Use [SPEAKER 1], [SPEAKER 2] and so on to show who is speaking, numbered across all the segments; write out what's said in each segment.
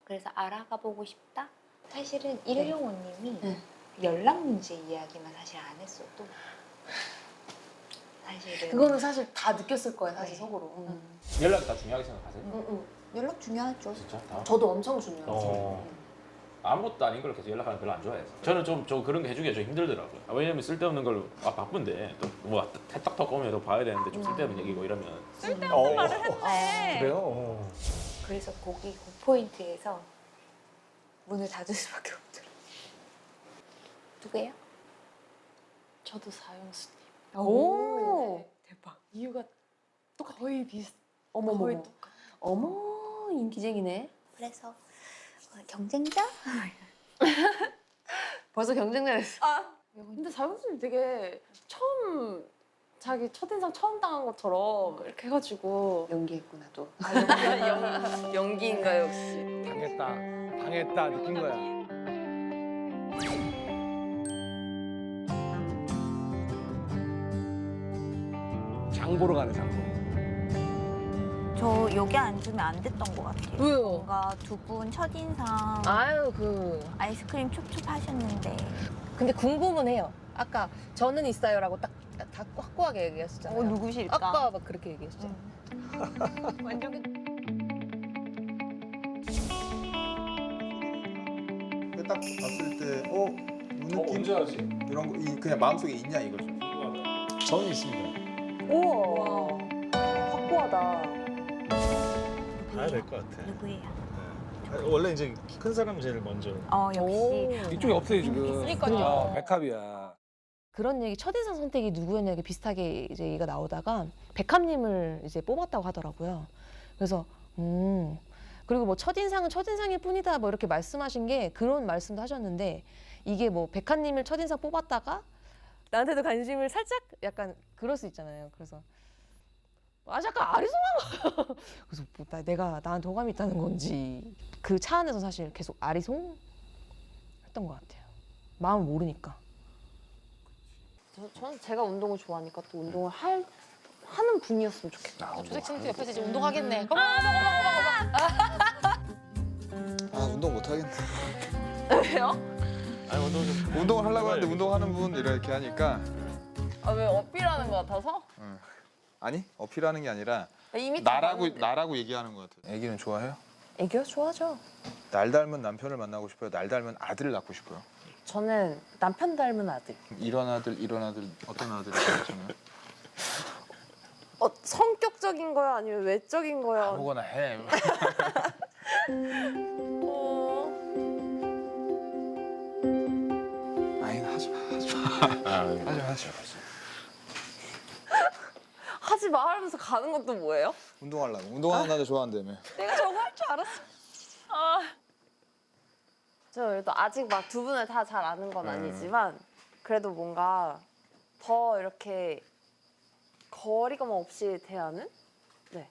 [SPEAKER 1] 그래서 알아가 보고 싶다.
[SPEAKER 2] 사실은 일용호님이
[SPEAKER 1] 네.
[SPEAKER 2] 연락 문제 이야기만 사실 안 했어도 사실은
[SPEAKER 3] 그거는 사실 다 느꼈을 거예요, 사실
[SPEAKER 2] 네.
[SPEAKER 3] 속으로.
[SPEAKER 4] 연락이 다 중요하게 생각하세요?
[SPEAKER 2] 연락 중요하죠.
[SPEAKER 4] 진짜? 다?
[SPEAKER 3] 저도 엄청 중요하지.
[SPEAKER 4] 아무것도 아닌 걸 계속 연락하는 거 별로 안 좋아해서 저는 좀 그런 거 해주기가 좀 힘들더라고요. 왜냐면 쓸데없는 걸 바쁜데 또 뭐 탁탁 오면 또 봐야 되는데 좀 쓸데없는 얘기고 이러면
[SPEAKER 5] 쓸데없는 말을 했네.
[SPEAKER 6] 그래요?
[SPEAKER 2] 그래서 거기 그 포인트에서 문을 닫을 수밖에 없더라고요. 누구예요?
[SPEAKER 3] 저도 사용수님.
[SPEAKER 2] 오, 대박.
[SPEAKER 3] 이유가 또 거의 비슷.
[SPEAKER 1] 어머머.
[SPEAKER 3] 거의 똑같아.
[SPEAKER 1] 어머 인기쟁이네.
[SPEAKER 2] 그래서 경쟁자?
[SPEAKER 3] 벌써 경쟁자 됐어. 근데 사용수님 되게 처음 자기 첫인상 처음 당한 것처럼 이렇게 해가지고
[SPEAKER 2] 연기했구나 또.
[SPEAKER 3] 연기인가요 역시?
[SPEAKER 6] 당했다 느낀 거야. 장 보러 가네, 장 보러.
[SPEAKER 5] 저 여기 앉으면 안 됐던 것 같아요.
[SPEAKER 3] 왜요?
[SPEAKER 5] 뭔가 두 분 첫인상
[SPEAKER 3] 아유
[SPEAKER 5] 아이스크림 촉촉 하셨는데
[SPEAKER 3] 근데 궁금은 해요. 아까 저는 있어요라고 딱 확고하게 얘기했었잖아요.
[SPEAKER 5] 누구실까?
[SPEAKER 3] 아까 막 그렇게 얘기했었잖아요.
[SPEAKER 5] 완전
[SPEAKER 7] 딱 봤을 때, 이 느낌
[SPEAKER 4] 언제 알았지?
[SPEAKER 7] 이런 거 그냥 마음속에 있냐 이거죠.
[SPEAKER 6] 저는 있습니다.
[SPEAKER 3] 우와 확고하다.
[SPEAKER 6] 가야 될 것 같아.
[SPEAKER 5] 누구예요?
[SPEAKER 6] 원래 이제 키 큰 사람 제일 먼저.
[SPEAKER 5] 역시
[SPEAKER 6] 이쪽이 없어요 지금.
[SPEAKER 3] 그러니까요.
[SPEAKER 6] 백합이야.
[SPEAKER 8] 그런 얘기 첫인상 선택이 누구였냐 비슷하게 이제 얘기가 나오다가 백합님을 이제 뽑았다고 하더라고요. 그래서 그리고 뭐 첫인상은 첫인상일 뿐이다 뭐 이렇게 말씀하신 게 그런 말씀도 하셨는데 이게 뭐 백합님을 첫인상 뽑았다가 나한테도 관심을 살짝 약간 그럴 수 있잖아요. 그래서 약간 아리송한 거. 그래서 뭐 내가 나한테 호감이 있다는 건지 그 차 안에서 사실 계속 아리송 했던 것 같아요. 마음을 모르니까. 저는 제가 운동을 좋아하니까 또 운동을 하는 분이었으면 좋겠다.
[SPEAKER 3] 조색친구 옆에서 이제 운동하겠네.
[SPEAKER 7] 운동 못 하겠네.
[SPEAKER 3] 왜요?
[SPEAKER 4] 아니 운동 좀
[SPEAKER 7] 운동을 하려고 하는데 운동하는 분 이렇게 하니까
[SPEAKER 3] 왜 어필하는 것 같아서?
[SPEAKER 7] 아니 어필하는 게 아니라
[SPEAKER 3] 이미 다 많은데.
[SPEAKER 7] 나라고 얘기하는 것 같아요. 애기는 좋아해요?
[SPEAKER 8] 애교 좋아하죠.
[SPEAKER 7] 날 닮은 남편을 만나고 싶어요? 날 닮은 아들을 낳고 싶어요?
[SPEAKER 8] 저는 남편 닮은 아들.
[SPEAKER 7] 이런 아들 어떤 아들이 좋아하시나요?
[SPEAKER 3] 성격적인 거야 아니면 외적인 거야?
[SPEAKER 7] 아무거나 해. 아니 하지 마.
[SPEAKER 3] 하지 마 하면서 가는 것도 뭐예요?
[SPEAKER 7] 운동하려고. 운동하는 남자 좋아한다며.
[SPEAKER 3] 내가 저거 할 줄 알았어. 저 그래도 아직 막 두 분을 다 잘 아는 건 아니지만 그래도 뭔가 더 이렇게 거리감 없이 대하는? 네.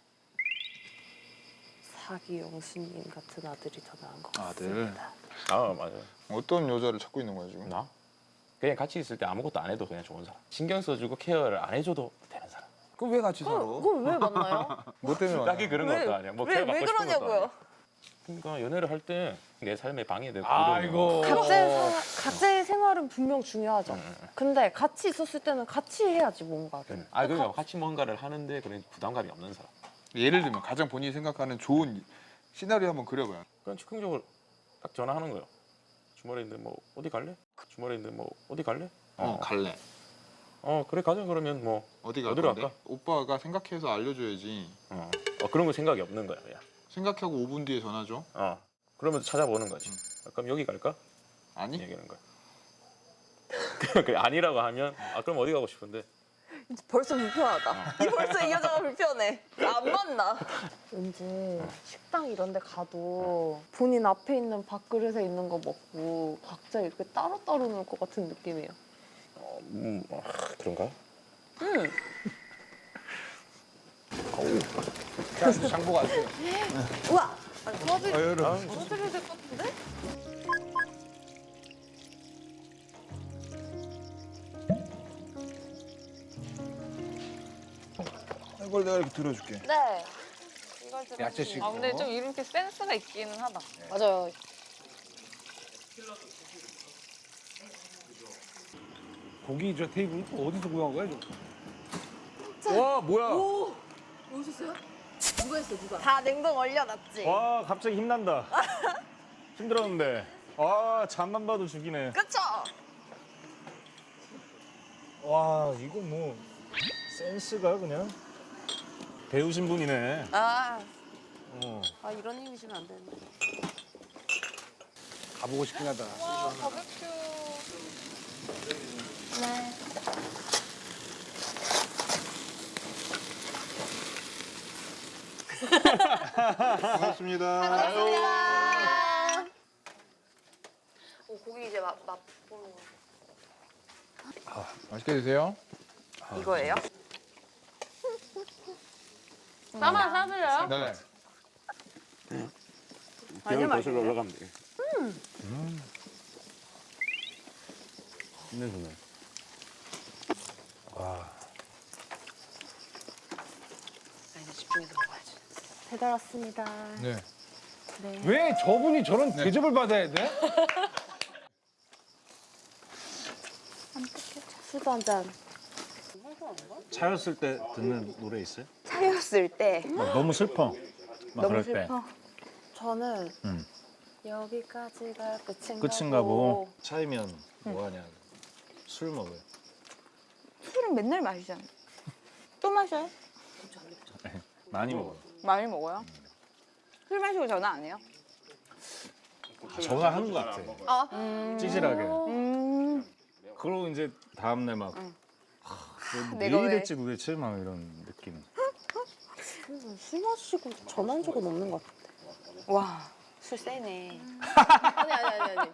[SPEAKER 3] 사기 영수님 같은 아들이 더 나은 것 같습니다.
[SPEAKER 4] 맞아요.
[SPEAKER 7] 어떤 여자를 찾고 있는 거야 지금?
[SPEAKER 4] 나? 그냥 같이 있을 때 아무것도 안 해도 그냥 좋은 사람. 신경 써주고 케어를 안 해줘도 되는 사람.
[SPEAKER 7] 그럼 왜 같이 살아?
[SPEAKER 3] 그걸 왜 만나요?
[SPEAKER 7] 뭐 때문에 만나?
[SPEAKER 4] 딱히 그런 것도 아니야. 뭐
[SPEAKER 3] 왜
[SPEAKER 4] 케어 받고 싶은 것도
[SPEAKER 3] 그러냐고요?
[SPEAKER 4] 아니야. 그러니까 연애를 할 때 내 삶에 방해되고
[SPEAKER 6] 아이고.
[SPEAKER 3] 각자의 생활은 분명 중요하죠. 근데 같이 있었을 때는 같이 해야지 뭔가.
[SPEAKER 4] 그러니까 같이 뭔가를 하는데 그런 부담감이 없는 사람.
[SPEAKER 7] 예를 들면 가장 본인이 생각하는 좋은 시나리오 한번 그려봐요.
[SPEAKER 4] 그냥 즉흥적으로 딱 전화하는 거예요. 주말인데 뭐 어디 갈래? 주말인데 뭐 어디 갈래?
[SPEAKER 7] 갈래.
[SPEAKER 4] 그래 가자. 그러면 뭐
[SPEAKER 7] 어디로
[SPEAKER 4] 어디로
[SPEAKER 7] 갈래?
[SPEAKER 4] 갈까?
[SPEAKER 7] 오빠가 생각해서 알려줘야지.
[SPEAKER 4] 그런 거 생각이 없는 거야 그냥.
[SPEAKER 7] 생각하고 5분 뒤에 전화 줘.
[SPEAKER 4] 그러면 찾아보는 거지. 그럼 여기 갈까?
[SPEAKER 7] 아니?
[SPEAKER 4] 얘기하는 거야. 그래, 아니라고 하면 그럼 어디 가고 싶은데?
[SPEAKER 3] 벌써 불편하다. 벌써 이 여자가 불편해. 안 만나. 왠지 식당 이런 데 가도 본인 앞에 있는 밥그릇에 있는 거 먹고 각자 이렇게 따로따로 놀 것 같은 느낌이에요.
[SPEAKER 4] 그런가?
[SPEAKER 7] 장보고 왔어요.
[SPEAKER 3] 우와! 도와드려야 될 것 같은데?
[SPEAKER 7] 이걸 내가 이렇게 들어줄게.
[SPEAKER 3] 네. 이걸
[SPEAKER 7] 야채식.
[SPEAKER 3] 아 근데 좀 이렇게 센스가 있기는 하다.
[SPEAKER 1] 맞아요.
[SPEAKER 6] 고기 저 테이블 어디서 구한 거야?
[SPEAKER 7] 와 뭐야?
[SPEAKER 3] 다 냉동 얼려놨지.
[SPEAKER 6] 와 갑자기 힘난다. 힘들었는데. 아 잠만 봐도 죽이네.
[SPEAKER 3] 그쵸?
[SPEAKER 6] 와 이거 뭐 센스가 그냥 배우신 분이네.
[SPEAKER 3] 아,
[SPEAKER 6] 어.
[SPEAKER 1] 아 이런 힘이 주면 안 되는데.
[SPEAKER 7] 가보고 싶긴 하다.
[SPEAKER 3] 와 바베큐.
[SPEAKER 7] 반갑습니다.
[SPEAKER 1] 고기 이제 맛보는 거.
[SPEAKER 7] 맛있게 드세요.
[SPEAKER 3] 이거예요? 나만 사드려요?
[SPEAKER 7] 네.
[SPEAKER 4] 기름이 거슬러 올라가면 돼. 힘내주네.
[SPEAKER 1] 이제 집중해서 먹어야지.
[SPEAKER 8] 배달 왔습니다.
[SPEAKER 7] 네.
[SPEAKER 6] 왜 저분이 저런
[SPEAKER 7] 네.
[SPEAKER 6] 대접을 받아야 돼?
[SPEAKER 8] 술도 한 잔.
[SPEAKER 6] 차였을 때 듣는 노래 있어요?
[SPEAKER 2] 차였을 때
[SPEAKER 6] 막 너무 슬퍼. 막
[SPEAKER 2] 너무
[SPEAKER 6] 그럴 때.
[SPEAKER 2] 슬퍼.
[SPEAKER 8] 저는
[SPEAKER 6] 응.
[SPEAKER 8] 여기까지가 끝인가,
[SPEAKER 6] 끝인가 보고 차이면 뭐 하냐. 술 먹어요.
[SPEAKER 2] 술은 맨날 마시잖아. 또 마셔요?
[SPEAKER 6] 많이 먹어요.
[SPEAKER 2] 많이 먹어요? 술 마시고 전화 안 해요?
[SPEAKER 6] 전화하는 것 같아. 찌질하게. 그러고 이제 다음날 막
[SPEAKER 2] 내가
[SPEAKER 6] 내일
[SPEAKER 2] 왜?
[SPEAKER 6] 했지 도대체 막 이런 느낌.
[SPEAKER 8] 술 마시고 전화한 적은 없는 것 같아.
[SPEAKER 2] 와, 술 세네.
[SPEAKER 1] 아니.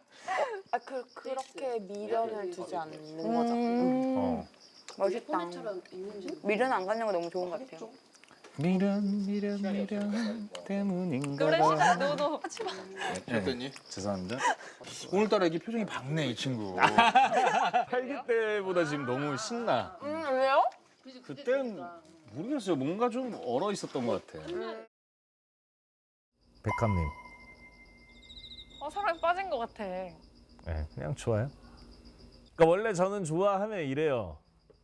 [SPEAKER 8] 그렇게 미련을 두지 않는 거죠.
[SPEAKER 6] 어.
[SPEAKER 2] 멋있다. 미련 안 갖는 거 너무 좋은 것 같아요.
[SPEAKER 6] 미련 때문인가
[SPEAKER 3] 그래
[SPEAKER 6] 봐.
[SPEAKER 3] 너도 하지 마.
[SPEAKER 7] 어땠니?
[SPEAKER 6] 죄송합니다.
[SPEAKER 7] 오늘따라 이게 표정이 밝네 이 친구.
[SPEAKER 6] 8기 때보다 지금 너무 신나.
[SPEAKER 3] 왜요?
[SPEAKER 6] 그땐 모르겠어요. 뭔가 좀 얼어 있었던 것 같아. 백합님.
[SPEAKER 3] 사랑에 빠진 것 같아.
[SPEAKER 6] 네, 그냥 좋아요. 그러니까 원래 저는 좋아하면 이래요.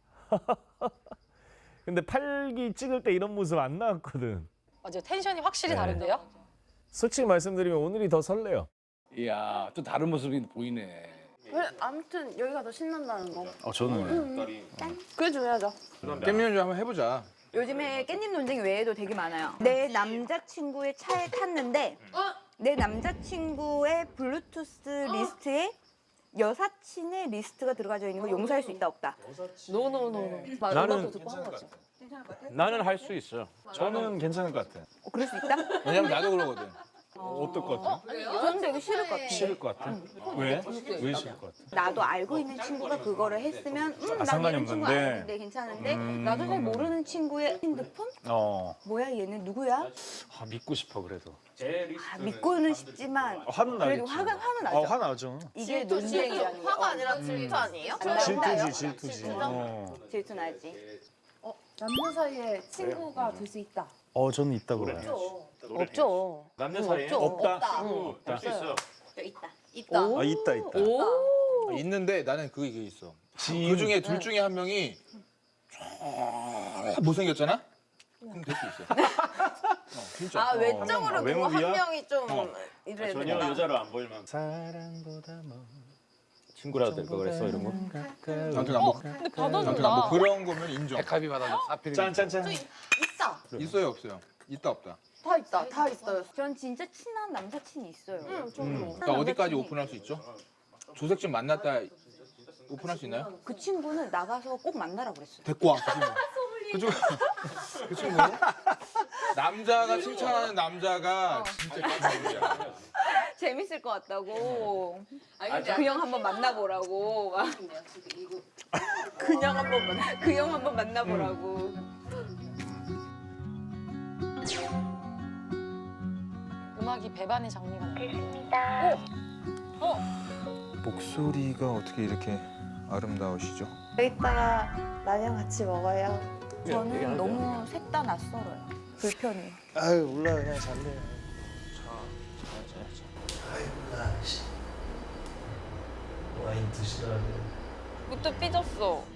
[SPEAKER 6] 근데 8기 찍을 때 이런 모습 안 나왔거든.
[SPEAKER 1] 맞아요. 텐션이 확실히
[SPEAKER 6] 네.
[SPEAKER 1] 다른데요?
[SPEAKER 6] 솔직히 말씀드리면 오늘이 더 설레요.
[SPEAKER 9] 이야 또 다른 모습이 보이네.
[SPEAKER 8] 아무튼 여기가 더 신난다는 거.
[SPEAKER 6] 저는
[SPEAKER 8] 그게 중요하죠.
[SPEAKER 7] 깻잎 좀 한번 해보자.
[SPEAKER 2] 요즘에 깻잎 논쟁 외에도 되게 많아요. 내 남자친구의 차에 탔는데 내 남자친구의 블루투스 리스트에 여사친의 리스트가 들어가져 있는 거 용서할 수 있다 없다.
[SPEAKER 1] 노노노노.
[SPEAKER 4] 나는
[SPEAKER 1] 듣고 한 거지.
[SPEAKER 4] 나는 할 수 있어요.
[SPEAKER 6] 저는 괜찮을 것 같아.
[SPEAKER 2] 그럴 수 있다?
[SPEAKER 7] 왜냐면 나도 그러거든.
[SPEAKER 6] 어떨 것 같아?
[SPEAKER 2] 저는 되게 싫을 것 같아.
[SPEAKER 6] 싫을 것 같아. 왜? 왜 싫을 것 같아?
[SPEAKER 2] 나도 알고 있는 친구가 그거를 했으면 난
[SPEAKER 6] 상관이
[SPEAKER 2] 이런 친구
[SPEAKER 6] 없는데.
[SPEAKER 2] 아닌데 괜찮은데 나도 잘 모르는 친구의 핸드폰? 뭐야 얘는 누구야?
[SPEAKER 6] 아, 믿고 싶어 그래도.
[SPEAKER 2] 믿고는 싶지만
[SPEAKER 6] 화는
[SPEAKER 2] 그래도
[SPEAKER 6] 나겠지.
[SPEAKER 2] 화는 나죠.
[SPEAKER 6] 화 나죠.
[SPEAKER 2] 이게 논쟁이라는 거.
[SPEAKER 3] 화가 아니라 질투 아니에요?
[SPEAKER 6] 질투지 질투지.
[SPEAKER 2] 질투 나지.
[SPEAKER 8] 남녀 사이에 친구가 될 수 있다.
[SPEAKER 6] 저는 있다 그래요.
[SPEAKER 1] 없죠.
[SPEAKER 4] 남녀 사이에
[SPEAKER 6] 없다.
[SPEAKER 4] 없다. 있어.
[SPEAKER 1] 있다.
[SPEAKER 6] 아 있다 있다.
[SPEAKER 7] 있는데 나는 그게 있어.
[SPEAKER 6] 지인.
[SPEAKER 7] 그 중에 둘 중에 한 명이 못생겼잖아? 그럼 될 수 있어. 진짜.
[SPEAKER 3] 아 외적으로 누구
[SPEAKER 6] 외모비야?
[SPEAKER 3] 한 명이 좀 이래야
[SPEAKER 4] 전혀
[SPEAKER 3] 된다.
[SPEAKER 4] 여자로 안 보이면
[SPEAKER 6] 사랑보다 뭐
[SPEAKER 4] 친구라도 될 거 그랬어 이런 거.
[SPEAKER 7] 아무튼 뭐,
[SPEAKER 3] 근데
[SPEAKER 7] 아무튼
[SPEAKER 3] 받아준다.
[SPEAKER 7] 뭐 그런 거면 인정.
[SPEAKER 9] 백합이 받아줘. 사필이.
[SPEAKER 6] 짠짠짠.
[SPEAKER 3] 있다.
[SPEAKER 7] 있어요 없어요? 있다 없다.
[SPEAKER 3] 다 있다. 다 있어요.
[SPEAKER 2] 전 진짜 친한 남사친이 있어요.
[SPEAKER 7] 그러니까 어디까지 오픈할 수 있죠? 조색좀 만났다 오픈할 수 있나요?
[SPEAKER 2] 그 친구는 나가서 꼭 만나라고 그랬어요.
[SPEAKER 7] 데리고 와. 그 친구. 그 친구. 남자가 칭찬하는 남자가 진짜 깜짝이야.
[SPEAKER 2] 재밌을 것 같다고. 그 형 한번 만나보라고. 막. 그 형 한번 만나보라고.
[SPEAKER 1] 음악이 배반의 장미가 나요.
[SPEAKER 7] 목소리가 어떻게 이렇게 아름다우시죠?
[SPEAKER 8] 이따가 라면 같이 먹어요.
[SPEAKER 2] 저는 너무 셋 다 낯설어요. 불편해.
[SPEAKER 10] 아유 몰라 그냥 잘래.
[SPEAKER 1] 와인 드시라고.
[SPEAKER 3] 그때 삐졌어.